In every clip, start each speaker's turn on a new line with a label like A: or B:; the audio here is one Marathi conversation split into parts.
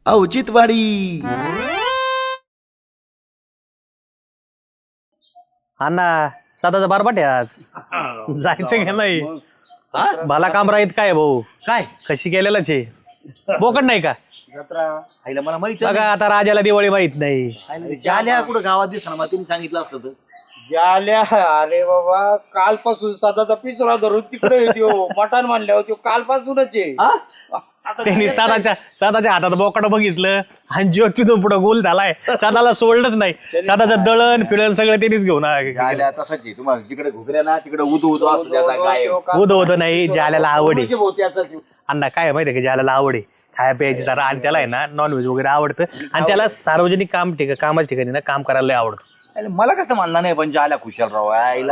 A: औचित्यवाडी.
B: अण्णा सदाचा बारबाट आहे आज. जायचं की नाही? भला काम राहीत काय भाऊ?
C: काय
B: कशी केलेलाच आहे बोकड नाही का?
C: आईला मला माहित
B: बघा आता राजाला दिवाळी माहित नाही.
C: जाल्या कुठं गावात दिसणार मला तुम्ही सांगितलं असतं तर.
D: जाल्या अरे बाबा कालपासून सदाचा पिसरा धरून तिकडे येतो मटण मानल्यावर तो कालपासूनच आहे.
B: त्यांनी सदाच्या हातात बोकड बघितलं आणि जो तिथून पुढे गोल झालाय. सदाला सोडलंच नाही. सदाचं दळण पिळण सगळं त्यांनीच घेऊन
C: जाल्या तसाच आहे तुम्हाला जिकडे घुगऱ्या ना तिकडे उदू उदू असतो त्याचा काय
B: उद होत नाही. ज्याला आवड आहे अण्णा काय माहितीये का ज्याला आवड आहे खाया प्यायची जरा आणि त्याला आहे ना नॉनव्हेज वगैरे आवडतं आणि त्याला सार्वजनिक कामाच्या ठिकाणी ना काम करायला आवडतं.
C: मला कसं मानलं नाही पण जाल्या खुशालराव आईला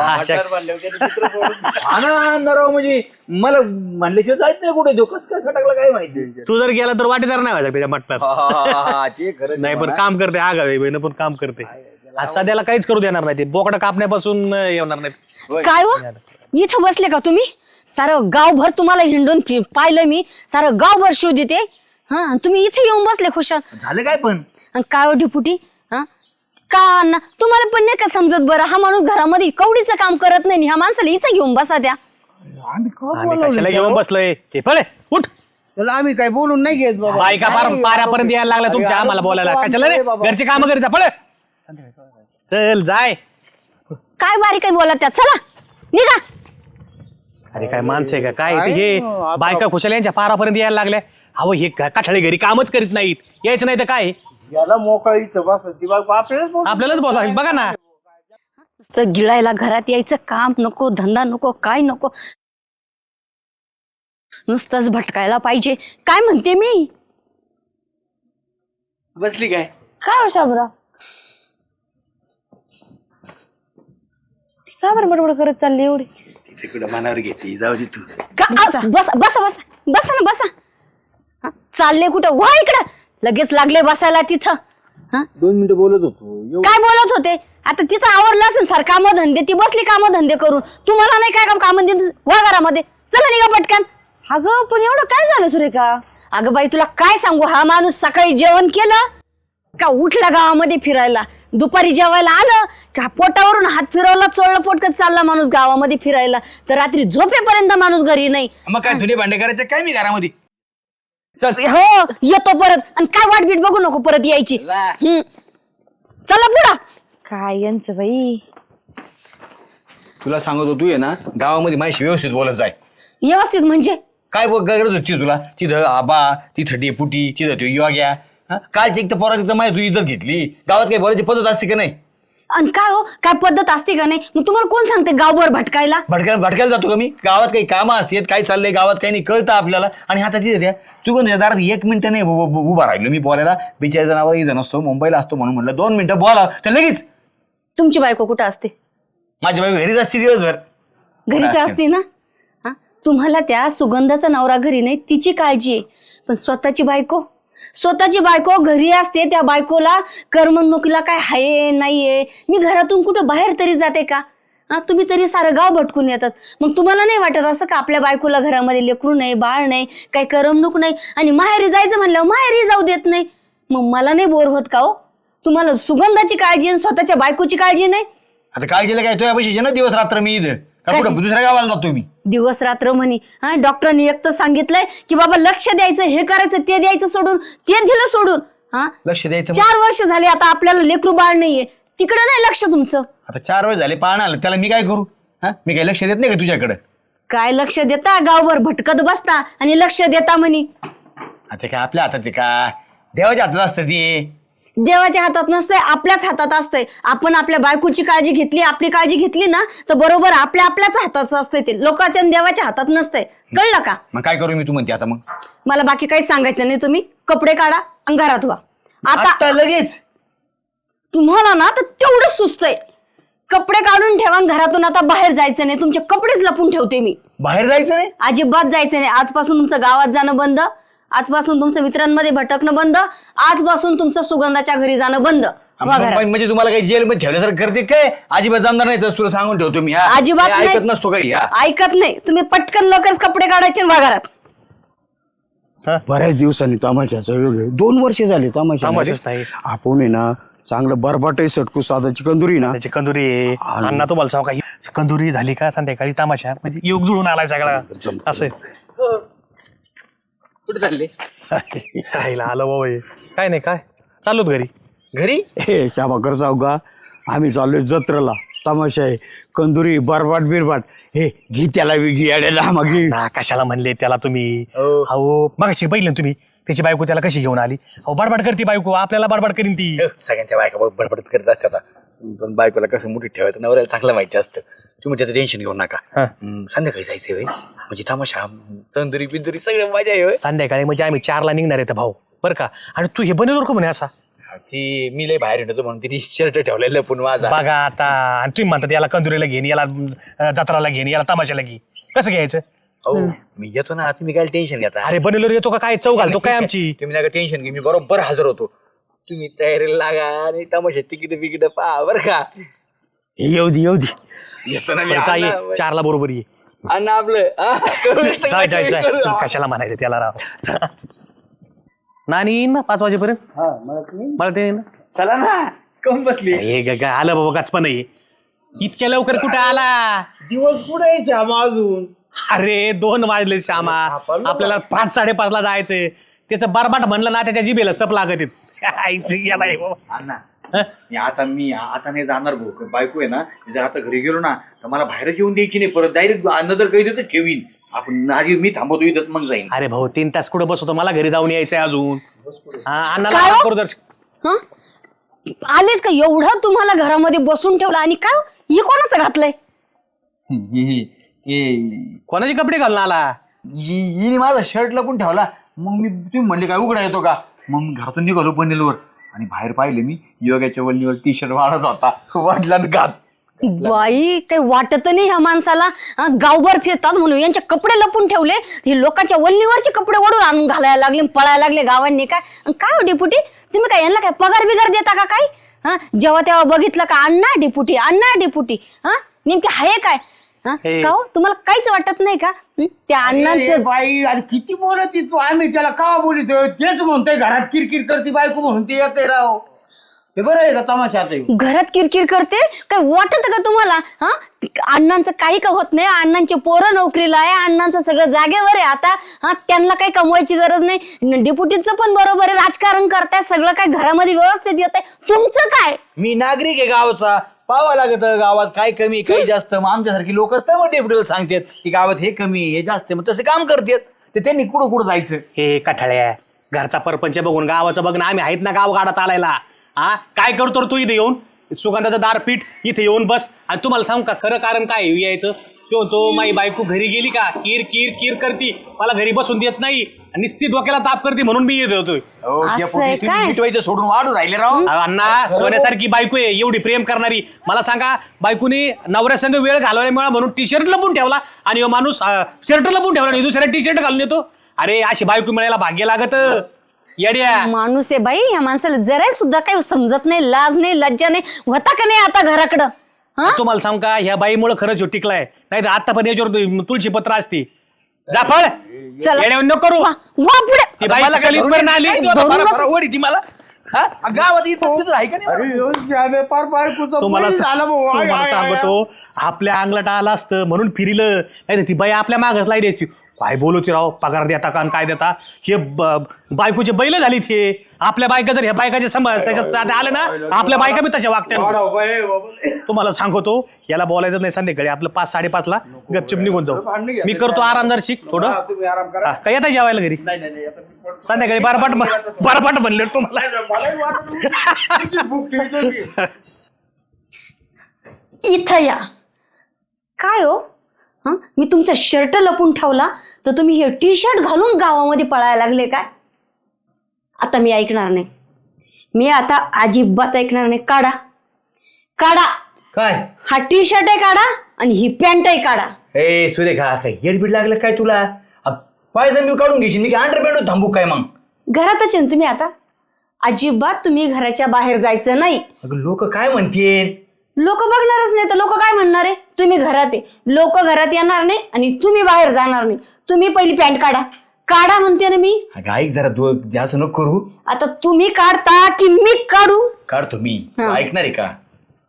C: राव म्हणजे मला म्हणल्याशिवाय जायचं नाही कुठे देऊ कसं काय सटकला काय माहिती.
B: तू जर गेला तर वाटेदार नाही व्हायचा त्याच्या मटणात.
C: ते खरं
B: नाही पण काम करते आगावे बहिण पण काम करते. आज सध्याला काहीच करू देणार नाही. ते बोकडं कापण्यापासून येणार नाही.
E: काय हो इथं बसले का तुम्ही? सारं गावभर तुम्हाला हिंडून पाहिलं मी. सारं गावभर शोध देते. हा तुम्ही इथे येऊन बसले खुशाल.
C: झालं काय पण
E: काय हो डिपुटी हा का अण्णा तुम्हाला पण नाही का समजत? बरं हा माणूस घरामध्ये कवडीचं काम करत नाही. ह्या माणसाला इथं घेऊन बसा द्या.
B: आम्ही कशाला घेऊन बसलोय? ते पळे उठ.
D: त्याला आम्ही काय बोलून नाही घेत बाबा.
B: बायका पाऱ्यापर्यंत यायला लागला तुमच्या आम्हाला बोलायला. कशाला रे घरचे काम करीता पळे. चल जाय.
E: काय बारीक काय बोला त्या चला निघा.
B: अरे काय माणसं आहे का काय? हे बायका खुशाल यांच्या पारापर्यंत यायला लागल्या. अहो हे काठाळे घरी कामच करीत नाहीत. यायचं नाही तर काय?
D: याला मोकळा इथं बसायची बाबा
B: आपल्यालाच बोलावं बघा ना.
E: नुसतं गिळायला घरात यायचं काम नको धंदा नको काय नको. नुसतंच भटकायला पाहिजे. काय म्हणते मी?
C: बसली काय
E: काय हो शाबरा का बरं बडबड करत चालली एवढी?
C: तिकडे मनावर घेतली जाऊ दे तू.
E: बसा बसा बसा बसा ना बसा. चालले कुठं? वा इकडं लगेच लागले बसायला तिथं.
D: 2 मिनिटं बोलत होतो.
E: काय बोलत होते? आता तिचं आवरलं असेल सर काम धंदे. ती बसली काम धंदे करून. तुम्हाला नाही काय काम वा घरामध्ये चला निघा पटकन. अगं पण एवढं काय झालं सुरेखा? अगं बाई तुला काय सांगू हा माणूस सकाळी जेवण केलं का उठला गावामध्ये फिरायला. दुपारी जेवायला आलं का पोटावरून हात फिरवला चोळलं पोटकत चालला माणूस गावामध्ये फिरायला. तर रात्री झोपेपर्यंत माणूस घरी नाही.
C: मग काय धुणे भांडे करायचं काय मी घरामध्ये.
E: हो येतो परत आणि काय वाटबीट बघू नको परत यायची. चला पुढं. काय यांचं बाई
C: तुला सांगत होतो आहे ना गावामध्ये माझ्याशी व्यवस्थित बोलत जाय.
E: व्यवस्थित म्हणजे
C: काय गरज होती तुला? तिथं आबा तिथं डेपुटी तिथं तो योग्या कालची एक तर पोरा तिथं माझी तुझी इज्जत घेतली. गावात काही बोलायची पद्धत असते का नाही?
E: आणि काय हो काय पद्धत असते का नाही? मग तुम्हाला कोण सांगते गावभर भटकायला?
C: भटकायला जातो का मी? गावात काही कामं असतात काय चाललंय गावात काही नाही कळतं आपल्याला. आणि हाताची द्या तू कोण दारात 1 मिनिटं नाही उभा राहिलो मी बोलायला. बिचारी जनावर इथं नसतो मुंबईला असतो म्हणून म्हटलं 2 मिनिटं बोला तर लगेच.
E: तुमची बायको कुठं असते?
C: माझी बायको घरीच असते दिवसभर.
E: घरीच असते ना. हा तुम्हाला त्या सुगंधाचा नवरा घरी नाही तिची काळजी आहे. पण स्वतःची बायको घरी असते. त्या बायकोला करमणुकीला काय हाय नाहीये. मी घरातून कुठं बाहेर तरी जाते का? हा तुम्ही तरी सारं गाव भटकून येतात. मग तुम्हाला नाही वाटत असं का आपल्या बायकोला घरामध्ये लेकरू नाही बाळ नाही काही करमणूक नाही आणि माहेरी जायचं म्हणल्यावर माहेरी जाऊ देत नाही. मग मला नाही बोर होत का हो? तुम्हाला सुगंधाची काळजी आणि स्वतःच्या बायकोची काळजी नाही.
C: आता काळजीला काय तुझ्या पैशाचे ना दिवस रात्र मी इथं दुसऱ्या गावाला जातो मी.
E: दिवस रात्र म्हणे. हा डॉक्टरांनी एक तर सांगितलंय की बाबा लक्ष द्यायचं हे करायचं ते द्यायचं सोडून ते दिलं सोडून. हा
C: लक्ष द्यायचं
E: 4 वर्ष झाले आता आपल्याला लेकरू बाळ नाहीये. तिकडे नाही लक्ष तुमचं.
C: आता 4 वेळ झाले पाहणं आलं त्याला मी काय करू? हा मी काही लक्ष देत नाही का तुझ्याकडे?
E: काय लक्ष देता? गावभर भटकत बसता आणि लक्ष देता म्हणे.
C: आता काय आपल्या हातात का? देवाच्या हातात असतं ते.
E: देवाच्या हातात नसतंय आपल्याच हातात असतंय. आपण आपल्या बायकोची काळजी घेतली आपली काळजी घेतली ना तर बरोबर आपल्याच हाताचं असतंय ते. लोकांच्या देवाच्या हातात नसतंय. कळलं का?
C: मग काय करू मी तू म्हणते आता? मग
E: मला बाकी काही सांगायचं नाही. तुम्ही कपडे काढा आणि घरात व्हा
C: आता लगेच.
E: तुम्हाला ना तर तेवढंच सुचतंय. कपडे काढून ठेवा घरातून आता बाहेर जायचं नाही. तुमचे कपडेच लपून ठेवते मी.
C: बाहेर जायचं नाही?
E: अजिबात जायचं नाही. आजपासून तुमचं गावात जाणं बंद. आजपासून तुमचं मित्रांमध्ये भटकणं बंद. आजपासून तुमचं सुगंधाच्या घरी जाणं बंद.
C: म्हणजे तुम्हाला काही जेलमध्ये ठेवल्यासारखं करते काय? अजिबात जमणार नाही. तर तुला सांगून ठेवतो मी.
E: अजिबात
C: ऐकत नसतो काही.
E: ऐकत नाही. तुम्ही पटकन लवकरच कपडे काढायचे घरात.
A: बऱ्याच दिवसांनी तमाशाचा योग आहे. 2 वर्ष झाले
B: तमाशाच नाही.
A: आपण आहे ना चांगलं बरबाट सटकू साधाची कंदुरी ना
B: त्याची कंदुरी आहे. अण्णा तुम्हाला सांगू का ही कंदुरी झाली का संध्याकाळी तमाशा म्हणजे योग जुळून आलाय सगळा असं
C: कुठे चालले
B: राहिला आलं बाबा हे. काय नाही काय चालूत घरी
C: घरी
A: हे शाबाकर जाऊ का आम्ही चाललोय जत्रेला तमाशा आहे कंदुरी बरबाट बिरबाट हे घी त्याला घी अड्याला मग
B: ना कशाला म्हणले त्याला तुम्ही अहो मगाशी बघितलं ना तुम्ही त्याची बायको त्याला कशी घेऊन आली अहो बडबड करते बायको आपल्याला बडबड करीन ती
C: सगळ्यांच्या बायका बडबडत करत असतात आता. पण बायकोला कसं मोठी ठेवायचं नवऱ्याला चांगलं माहिती असतं. तुम्ही त्याचं टेन्शन घेऊ नका. संध्याकाळी जायचंय होय म्हणजे तमाशा तंदुरी बिंदुरी सगळं मजा आहे होय.
B: संध्याकाळी म्हणजे आम्ही 4ला निघणार आहे भाऊ बरं का आणि तू हे बनवलं का म्हणे असा
C: ती मी लय बाहेर येतो म्हणून तिने शर्ट ठेवलेलं पण माझा
B: बघा आता आणि तुम्ही म्हणतात याला कंदुरीला घेईन याला जत्राला घेईन याला तमाशाला घे कसं घ्यायचं
C: हो मी येतो ना तुम्ही काय टेन्शन घेता.
B: अरे बनवलं येतो का काय चव घालतो काय आमची
C: तुम्ही नका टेन्शन घे मी बरोबर हजर होतो. तुम्ही तयारीला लागा आणि तमाशा तिकीट पहा बरं का.
A: येऊ दे
C: येतो ना मी.
B: बरं, जा ये 4ला बरोबर ये
C: अन्न आपलं
B: जाय जाय जाय कशाला म्हणायचं त्याला राव नानी येईन ना 5 वाजेपर्यंत मला ते येईन ना.
C: चला ना कम बसली
B: हे आलं बाबा गचपण नाही इतक्या लवकर कुठे आला
D: दिवस कुठे आहे श्यामा अजून?
B: अरे 2 वाजले श्यामा आपल्याला 5-5:30 जायचंय त्याचं बरबाट म्हणलं ना त्याच्या जिभेला सप लागत
C: अण्णा मी आता नाही जाणार भाऊ बायको आहे ना जर आता घरी गेलो ना तर मला बाहेर जेवून द्यायची नाही परत डायरेक्ट अन्न जर काही देतं ठेवीन आपण आधी मी थांबवतो इथं मग जाईन.
B: अरे भाऊ 3 तास कुठं बसवतो मला घरी जाऊन यायचंय अजून अण्णाला
E: काय हो?
B: करू दर्शक
E: हं? आलेच का एवढं तुम्हाला घरामध्ये बसून ठेवलं आणि काय हे कोणाचं घातलंय
B: कोणाचे कपडे घालून आला
C: हिने माझा शर्ट लपून ठेवला मग मी तुम्ही म्हणले काय उघडा येतो का मग मी घरातून निघालो बनेलवर आणि बाहेर पाहिले मी योगाच्या वल्लीवर टी-शर्ट वाढत होता वाटला घात
E: बाई काही वाटत नाही ह्या माणसाला गावभर फिरतात म्हणून यांचे कपडे लपून ठेवले हे लोकांच्या वल्लीवरचे कपडे ओढून आणून घालायला लागले पळायला लागले गावांनी काय हो डिपुटी तुम्ही काय यांना काय पगार बिगार देता का काय हा जेव्हा तेव्हा बघितलं का अण्णा डिपुटी हा नेमके आहे काय का हो तुम्हाला काहीच वाटत नाही का त्या अण्णांचं
D: बाई अरे किती बोलत तू आम्ही त्याला का बोलितो तेच म्हणतोय घरात किरकिर करते बायको म्हणून ते येते राव हे बरं आहे का तमाशा आता
E: घरात किरकिर करते काय वाटत का तुम्हाला हा अण्णांचं काही का होत नाही अण्णांचे पोरं नोकरीला आहे अण्णांचं सगळं जागेवर आहे आता हा त्यांना काही कमवायची गरज नाही डिपुटीचं पण बरोबर आहे राजकारण करताय सगळं काय घरामध्ये व्यवस्थित येत आहे तुमचं काय
C: मी नागरिक आहे गावाचा पाहावं लागत गावात काय कमी काही जास्त मग आमच्यासारखी लोक डेप्युटीला सांगतात की गावात हे कमी हे जास्त मग तसं काम करतात ते त्यांनी कुठं जायचं
B: हे कठाळ्या घरचा परपंच बघून गावाचं बघ ना आम्ही आहेत ना गाव गाडात आलायला हा काय करतो तू इथे येऊन सुगंधाचं दार पीठ इथे येऊन बस आणि तुम्हाला सांगू का खरं कारण काय यायचं तो माई बायको घरी गेली का किर किर किर करती मला घरी बसून देत नाही निश्चित डोक्याला ताप करते म्हणून मी येत होतोय
C: मिटवायचं सोडून वाढू राहिले राव
B: अण्णा सोन्यासारखी बायको आहे एवढी प्रेम करणारी मला सांगा बायकोनी नवऱ्यासंग वेळ घालवल्यामुळे म्हणून टी-शर्ट लपून ठेवला आणि माणूस शर्ट लपून ठेवला आणि दुसऱ्या टी-शर्ट घालून येतो अरे अशी बायको मिळायला भाग्य लागत येड्या
E: माणूस आहे बाई या माणसाला जरा सुद्धा काही समजत नाही लाज नाही लज्जा नाही होता का नाही आता घराकडं
B: तुम्हाला सांग का ह्या बाईमुळे खरंच टिकलाय नाही तर आतापर्यंत याच्यावर तुळशी पत्र असती जाफळ येड्यावर नको करू ती बाई कशाला आली
C: मला गावात आहे का नाही
B: तुम्हाला सांगतो आपल्या अंगलट आला असतं म्हणून फिरिलं नाही ती बाई आपल्या मागच लाई द्यायची काय बोलवते राव पगार देता का काय देता हे बायकोचे बैल झाली ते आपल्या बायका जर ह्या बायकाच्या समाजात आलं ना आपल्या बायका बी तशा वागत्या तुम्हाला सांगतो याला बोलायचं नाही संध्याकाळी आपलं 5-5:30 गपचिप निघून जाऊ मी करतो आरामदार शिक थोडं काय येता जेवायला घरी संध्याकाळी बारपाट म्हणले तुम्हाला
E: इथं या काय हो मी तुमचा शर्ट लपून ठेवला तर तुम्ही हे टी-शर्ट घालून गावामध्ये पळायला लागले काय आता मी ऐकणार नाही मी आता अजिबात ऐकणार नाही काढा
C: काय
E: हा टी-शर्ट आहे काढा आणि ही पॅन्ट आहे काढा
C: ए सुरेखा काय येडबीड लागलं काय तुला पायजन मी काढून घेशील मी काय अंडरपॅन्ट थांबू काय मग
E: घरातच आहे तुम्ही आता अजिबात तुम्ही घराच्या बाहेर जायचं नाही
C: लोक काय म्हणतील
E: लोक बघणारच नाही तर लोक काय म्हणणार आहे तुम्ही घरात आहे लोक घरात येणार नाही आणि तुम्ही बाहेर जाणार नाही तुम्ही पहिली पॅन्ट काढा काढा म्हणते ना मी.
C: अगं ऐक जरा तू जास्त नको करू.
E: आता तुम्ही काढता की मी काढू?
C: काढतो मी.
E: हा.
C: ऐकणार आहे का?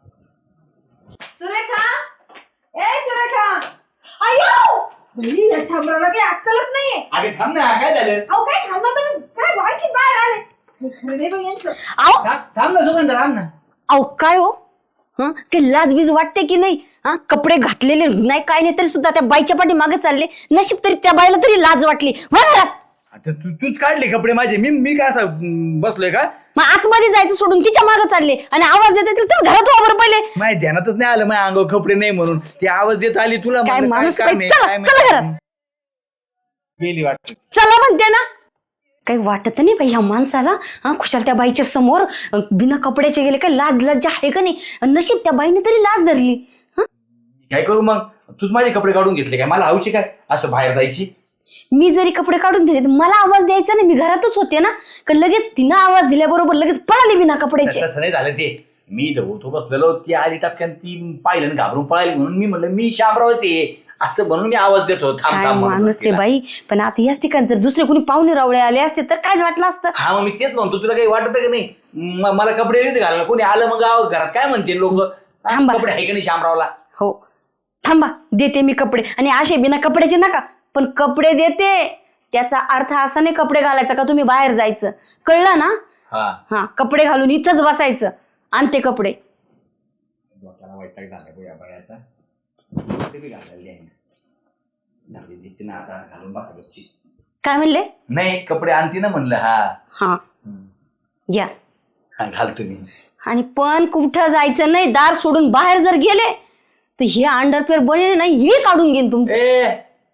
F: सुरेखा, ए सुरेखा, अयो बाई, या शामरावला काही अक्कलच नाहीये.
C: अरे थांब ना, काय झालं?
F: अहो काय थांबा तुम्ही, काय बाकी बाहेर आले. हे खरं नाही बघ यांचं.
E: अहो
D: थांब ना सुगंध, थांब ना.
E: अहो काय हो, हा ते लाजबीज वाटते की नाही? हा कपडे घातलेले नाही काय नाही तरी सुद्धा त्या बाईच्या पाठी मागे चालले. नशीब तरी त्या बाईला तरी लाज वाटली. वा घरात.
C: आता तूच काढले कपडे माझे, मी काय असं बसलोय का?
E: मग आतमध्ये जायचं सोडून तिच्या मागे चालले आणि आवाज देते की तुम्ही घरात वा बरं पहिले.
C: माझ्या ध्यानातच नाही आलं माझ्या अंगावर कपडे नाही म्हणून. ती आवाज देत आली तुला.
E: काय
C: म्हणलं,
E: माणूस
C: काम
E: बाई,
C: आहे,
E: चला
C: काय
E: चला
C: माहिती.
E: घरात.
C: गेली वाटत.
E: चला म्हणते ना. काही वाटत नाही बाई ह्या माणसाला. हा खुशाल त्या बाईच्या समोर बिना कपड्याचे गेले. काय लाज लज्जा आहे का नाही? नशीब त्या बाईने तरी लाज धरली. हा
C: काय करू मग? तूच माझे कपडे काढून घेतले काय? मला हौशी काय असं बाहेर जायची?
E: मी जरी कपडे काढून दिले तर मला आवाज द्यायचा नाही. मी घरातच होते ना. का लगेच तिनं आवाज दिल्याबरोबर लगेच पळाली बिना कपड्याचे.
C: तसं नाही झालं ते. मी तो बसलेलो, ती आली टपक्यान, ती पाहिलं आणि घाबरून पळाली म्हणून मी म्हणलं मी शामराव ते असं म्हणून मी आवाज देतो. थांब
E: काय
C: थांब म्हणून
E: माणूस आहे
C: तिला.
E: बाई. पण आता याच ठिकाणी जर दुसरे कोणी पाहुणे रावळे आले असते तर काय वाटलं असतं?
C: हा मग मी तेच म्हणतो, तुला काही वाटत का नाही? मला कपडे नाही घालायला कोणी आलं मग घरात काय म्हणते लोक?
E: थांबा.
C: कपडे आहे का नाही शामरावला?
E: हो थांबा, देते मी कपडे. आणि असे बिना कपड्याचे नका, पण कपडे देते. त्याचा अर्थ असा नाही कपडे घालायचा का तुम्ही बाहेर जायचं. कळलं ना?
C: हा.
E: हा कपडे घालून इथंच बसायचं. आणते कपडे.
C: डोक्याला वैताग झाला या बायाचा. ते बी घालायला आहे. झाली दिसते ना आता, घालून बसायची.
E: काय म्हणले?
C: नाही कपडे आणते ना म्हणलं. हा
E: हा घ्या.
C: हा घालतो मी.
E: आणि पण कुठं जायचं नाही. दार सोडून बाहेर जर गेले तर हे अंडरपेअर बने नाही हे काढून घेईन तुमचं.
C: ए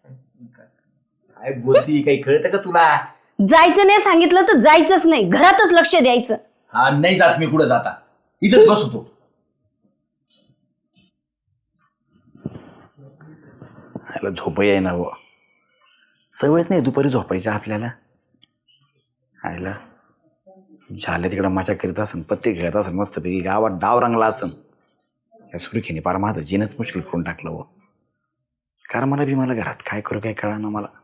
C: काय बोलती? काही कळतं का तुला?
E: जायचं नाही सांगितलं तर जायचंच नाही. घरातच लक्ष द्यायचं.
C: हा नाही जात मी कुठं जाता. इथंच बसतो. झोप आहे ना हो. सवयच नाही दुपारी झोपायचं आपल्याला. आयला झालं तिकडं माझ्या करीत असन, पत्ते खेळत असन, मस्तपैकी गावात डाव रंगला असन. या सुरखीने पार माझं जीनच मुश्किल करून टाकलं हो. कारण मला घरात काय करू काय कळा ना मला.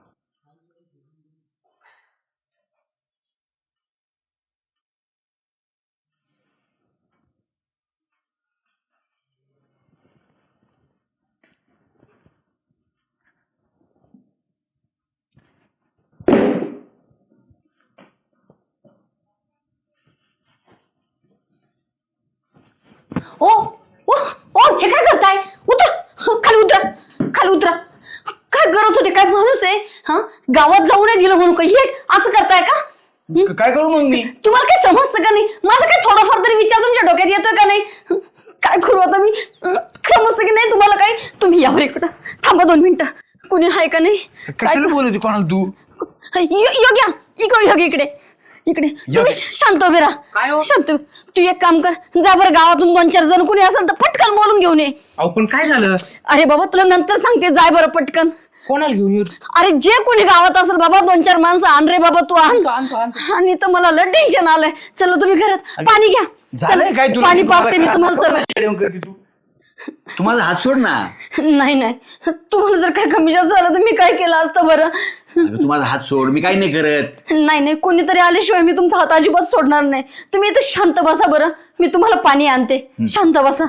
E: ओ ओ ओ हे काय करताय? उतर खाली, उतरा खाली, उतरा. काय करत होते? काय माणूस आहे? हा गावात जाऊ नाही दिलं म्हणून काही हे असं करताय का?
C: काय करू मग मी?
E: तुम्हाला काही समजतं का नाही? माझा काही थोडाफार तरी विचार तुमच्या डोक्यात येतोय का नाही? काय करू आता मी? समजतं की नाही तुम्हाला काही? तुम्ही यावर इकडं थांबा 2 मिनिटं. कुणी आहे का नाही?
C: कशाला बोलत कोणाला तू?
E: योग्या इकडे इकडे तुम्ही शांत उभे राहा. शांत. तू एक काम कर, जा बरं गावातून 2-4 जण कुणी असेल तर पटकन बोलून घेऊन ये.
B: अहो पण काय झालं?
E: अरे बाबा तुला नंतर सांगते, जाय बरं पटकन.
B: कोणाला घेऊन येऊ?
E: अरे जे कोणी गावात असेल बाबा 2-4 माणसं आण रे बाबा. तू आण. आणि तर मला लय टेन्शन आलंय. चला तुम्ही घरात पाणी घ्या.
C: झालंय काय तुला?
E: पाणी पाजते मी तुम्हाला. चला.
C: तू माझा हात सोड ना.
E: नाही नाही तुम्हाला जर काय कमी जास्त झालं तर मी काय केलं असतं बरं?
C: तू माझा हात सोड, मी काही नाही करत.
E: नाही नाही कोणीतरी आल्याशिवाय मी तुमचा हात अजिबात सोडणार नाही. तुम्ही इथं शांत बसा बरं. मी तुम्हाला पाणी आणते. शांत बसा.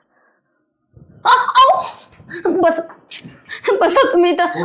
E: बस बसा तुम्ही इथं.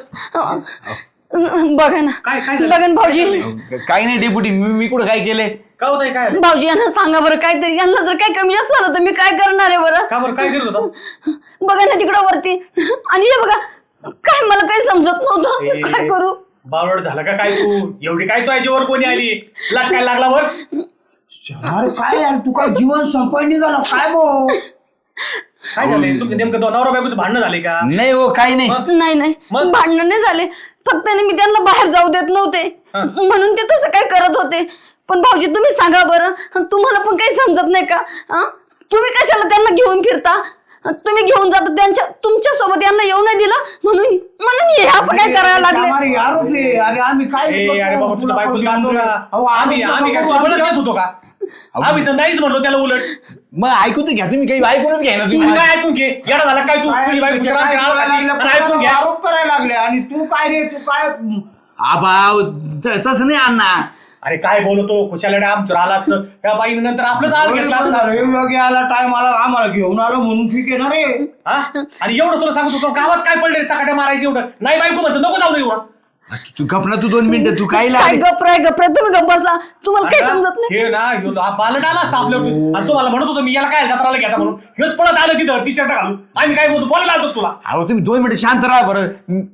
E: बघा ना. बघा ना भाऊजी.
C: काही नाही डेपुटी, मी कुठं काय केलंय?
B: का होतंय काय?
E: भाऊजी यांना सांगा बरं काहीतरी. यांना जर काही कमी जास्त झालं तर मी काय करणार आहे बरं?
B: का बरं काय करत होता?
E: बघा ना तिकडं वरती. आणि हे बघा काय मला काही समजत नव्हतं. काय करू?
B: बावड झाला का काय तू? एवढी काय तू याच्यावर कोणी आली? लाटकाय लागला वर?
D: अरे काय यार, तू काय जीवन संपाय निघाला काय भाऊ?
B: काय झालंय? तुमचं नेमकं नवरा बायकोचं भांडणं झाले का?
C: नाही हो काही नाही.
E: नाही नाही
B: मग?
E: भांडण नाही झाले. फक्त ना मी त्यांना बाहेर जाऊ देत नव्हते म्हणून ते तसं काय करत होते. पण भाऊजी तुम्ही सांगा बरं, तुम्हाला पण काही समजत नाही का? तुम्ही कशाला त्यांना घेऊन फिरता? तुम्ही घेऊन जाता त्यांच्या तुमच्या सोबत यांना येऊ नाही दिलं म्हणून हे असं काय करायला लागले?
D: आम्हाला आरोप आहे. अरे आम्ही काय
B: अरे बाबा तुला बायकोला आणू ना.
D: अहो,
B: आम्ही काय तुला बोलत घेत होतो का? आम्ही तर नाहीच म्हणलो त्याला उलट.
C: मग ऐकून तर घ्या तुम्ही, काही ऐकूनच घ्या ना
B: तुम्ही
C: तुम्ही.
B: काय ऐकून घे? येडा झाला काय तू? तुझी बायको
D: काय
B: शराबची आळ
D: करायला
B: घातली.
D: लागलं?
B: तर ऐकून घ्या.
D: आरोप करायला लागले. आणि तू काय रे, तू काय
C: आबा तसं नाही अण्णा.
B: अरे काय बोलतो खुशाला आमचं आला असतं त्या बाईने नंतर आपलंच आळ घेतला असतं.
D: योगी आला टाइम आला आम्हाला घेऊन आलो म्हणून ठीक आहे ना रे.
B: हा? आणि एवढं तुला सांगत होतो गावात काय पडले चकाट्या मारायचे एवढं नाही बायको म्हणतो नको जाऊ एवढं.
C: तू गप ना, तू 2 मिनिटं तू काय
E: काय गप्राय तुम्ही गप्प बसा, तुम्हाला काय समजत नाही.
B: हे ना ह्यो बालट आला असता आपल्यावर आणि तुम्हाला म्हणत होतो मी याला काय जत्राला घेता म्हणून हेच पळत आलं तिथं टी शर्ट घालून. आम्ही काय बोलतो बोलायला आलो तुला.
C: अहो तुम्ही 2 मिनिटं शांत राहा बरं.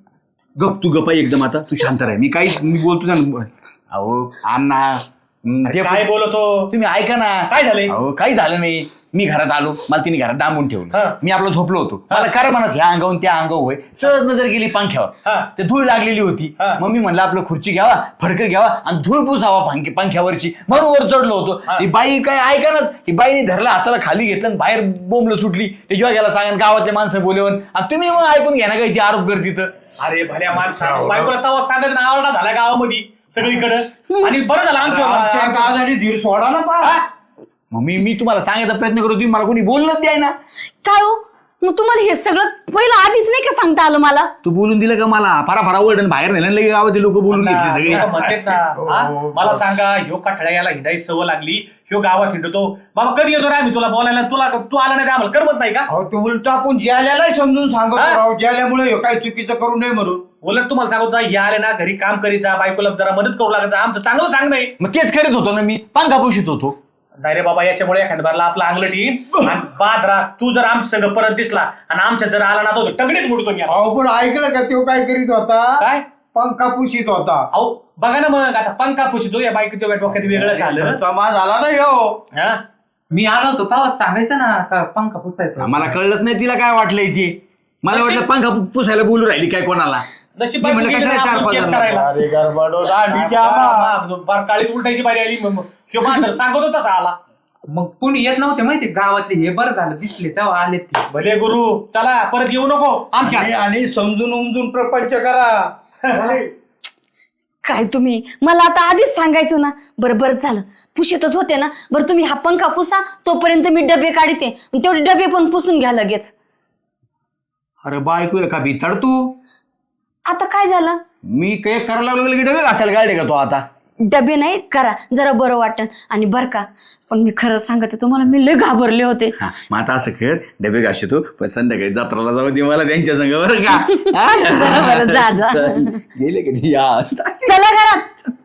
C: गप तू गप्पा एकदम आता तू शांत राहा. मी बोलतो ना. अहो अण्णा
B: अरे काय बोलतो
C: तुम्ही ऐका ना.
B: काय झालंय?
C: अहो काही झालं नाही. मी घरात आलो, मला तिने घरात डांबून ठेवलं.
B: हा.
C: मी आपलं झोपलो होतो. मला काय म्हणत ह्या अंगावून त्या अंगावर होय सहज नजर गेली पंख्यावर.
B: हा.
C: ते धूळ लागलेली होती.
B: हा.
C: मग मी म्हणलं आपलं खुर्ची घ्यावा, फडकं घ्यावा आणि धूळ पुसावा पंख्यावरची. म्हणून वर चढलो होतो.
B: हा.
C: ती बाई काय ऐका ना, ती बाईने धरलं हाताला खाली घेतलं आणि बाहेर बोंबलं सुटली. ते जेव्हा गेला सांगा गावातले माणसं बोलवून आणि तुम्ही मग ऐकून घ्या ना काही ती आरोप करते तर.
B: अरे भल्या माणसा बायकोला तवा सांगत ना आवडा झाला गावामध्ये सगळीकडं आणि बरं झालं
D: आमच्या
B: आमच्या
D: दादाने धीर सोडा ना पा.
C: मग मी तुम्हाला सांगायचा प्रयत्न करतो, तुम्ही मला कोणी बोलणंच द्याय ना.
E: काय हो मग तुम्हाला हे सगळं पहिलं आधीच नाही का सांगता आलं मला.
C: तू बोलून दिलं का मला? फारा ओरडून बाहेर नेलं लगे गावातील लोक बोलून घेतले सगळे.
B: लोकं म्हणतात ना हा? मला सांगा ह्यो काठळ्या याला हिंडायची सवय लागली ह्यो गावात हिंडतो बाबा कधी येतो रे आम्ही तुला बोलायला तू आला नाही आम्हाला करमत नाही का?
D: अहो ते उलट आपण ज्याल्यालाही समजून सांगतो
B: हा?
D: राव ज्याल्यामुळे काही चुकीचं करू नये म्हणून.
B: उलट तुम्हाला सांगतो ना या आले ना घरी काम करीत जा बायकोला जरा मदत करू लागत जा आमचं चांगलं सांग नाही.
C: मग तेच करीत होतो ना मी, पंखा पुशीत होतो.
B: नाही रे बाबा याच्यामुळे एखाद्या बारला आपला अंगलट येईल आणि बाद राहा तू जर आमच्या सगळं परत दिसला आणि आमच्या जर आला ना तो टगडीच मोडतो मी आता.
D: अहो पण ऐकलं का तो काय करीत होता?
B: काय
D: पंखा पुशीत होता.
B: अहो बघा ना मग आता पंखा पुशितो या बायकोच्या डोक्यात वेगळं झालं.
D: जमा झाला ना ह्यो.
B: हा?
G: मी आलो होतो तेव्हा सांगायचं ना का पंखा पुसायचा.
C: मला कळलंच नाही तिला काय वाटलंय ते. मला वाटलं पंखा पुसायला बोलू राहिली काय कोणाला.
B: नशीब
C: मी
B: बायको
C: म्हणलं
B: गेली ना
C: कशाला
B: आपण
C: 4-5
B: केस
C: जण?
B: करायला.
D: अरे गरबाडो दांडीच्या आबा.
B: काळी उलटायची बारी आली किंवा मांडर सांगतो तसा आला.
G: मग कोणी येत नव्हते माहिती गावातले, हे बरं झालं दिसले तेव्हा आले ते.
B: भले गुरु चला परत येऊ नको आमच्या.
D: आणि समजून उमजून प्रपंच करा.
E: काय तुम्ही मला आता आधीच सांगायचं ना. बरं झालं पुशीतच होते ना. बरं तुम्ही हा पंखा पुसा तोपर्यंत मी डबे काढते तेवढे डबे पण पुसून घ्या लगेच.
C: अरे बायको का भितड तू.
E: आता काय झालं?
C: मी काय करायला लागलो की डबे घासायला गाडी का तो आता.
E: डबे नाही करा जरा बरं वाटन. आणि बरं का पण मी खरंच सांगते तुम्हाला मी लय घाबरले होते.
C: हा, मग आता असं कर डबे घासतो पण संध्याकाळी जत्राला जाऊ दे मला त्यांच्या संग बरं का.
E: बरं, जा
C: गेले कधी या
E: चला घरात.